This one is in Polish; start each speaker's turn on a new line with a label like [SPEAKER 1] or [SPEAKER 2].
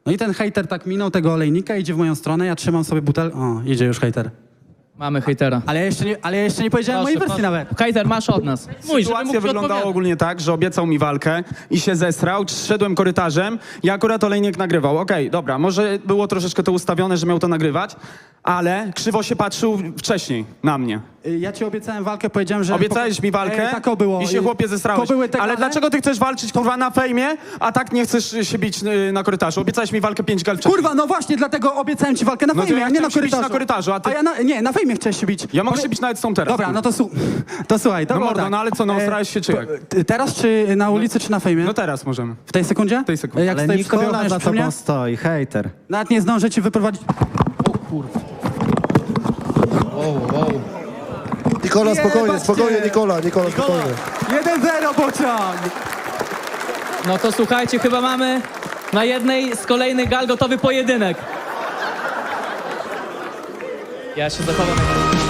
[SPEAKER 1] No i ten hejter tak minął tego olejnika, idzie w moją stronę, ja trzymam sobie butel... O, idzie już hejter.
[SPEAKER 2] Mamy hejtera.
[SPEAKER 1] Ale ja jeszcze nie powiedziałem mojej wersji nawet.
[SPEAKER 2] Hejter, masz od nas. Mój,
[SPEAKER 3] Sytuacja wyglądała ogólnie tak, że obiecał mi walkę i się zesrał, szedłem korytarzem i akurat olejnik nagrywał. Okej, dobra, może było troszeczkę to ustawione, że miał to nagrywać, ale krzywo się patrzył wcześniej na mnie.
[SPEAKER 1] Ja ci obiecałem walkę, powiedziałem, że...
[SPEAKER 3] Obiecałeś mi walkę
[SPEAKER 1] tak było.
[SPEAKER 3] i się chłopie zesrałeś.
[SPEAKER 1] To były te
[SPEAKER 3] Ale
[SPEAKER 1] gale?
[SPEAKER 3] dlaczego ty chcesz walczyć, kurwa, na fejmie, a tak nie chcesz się bić na korytarzu? Obiecałeś mi walkę 5 gal wcześniej.
[SPEAKER 1] Kurwa, no właśnie, dlatego obiecałem ci walkę na
[SPEAKER 3] No to
[SPEAKER 1] fejmie,
[SPEAKER 3] ja
[SPEAKER 1] a nie na
[SPEAKER 3] chciałem się bić
[SPEAKER 1] korytarzu.
[SPEAKER 3] na korytarzu, a ty-
[SPEAKER 1] nie, na fejmie chciałeś się bić.
[SPEAKER 3] Ja mogę się bić nawet z tą teraz.
[SPEAKER 1] Dobra, no to słuchaj, to
[SPEAKER 3] No
[SPEAKER 1] było
[SPEAKER 3] mordo,
[SPEAKER 1] tak.
[SPEAKER 3] no ale co, no osrałeś się czy jak?
[SPEAKER 1] Teraz czy na ulicy, czy na fejmie?
[SPEAKER 3] No teraz możemy.
[SPEAKER 1] W tej sekundzie?
[SPEAKER 3] W tej sekundzie.
[SPEAKER 1] Jak
[SPEAKER 4] Ale
[SPEAKER 1] stoi przy tobie,
[SPEAKER 4] Nikola
[SPEAKER 1] ochroniasz
[SPEAKER 4] za
[SPEAKER 1] przy mnie?
[SPEAKER 4] tobą stoi, hejter.
[SPEAKER 1] Nawet nie zdążę ci wyprowadzić... O kurwa.
[SPEAKER 5] Nikola, spokojnie,
[SPEAKER 1] Jebać
[SPEAKER 5] spokojnie,
[SPEAKER 1] cię.
[SPEAKER 5] Nikola, spokojnie.
[SPEAKER 1] 1-0, bocian!
[SPEAKER 2] No to słuchajcie, chyba mamy na jednej z kolejnych gal gotowy pojedynek. Ja się zachowam.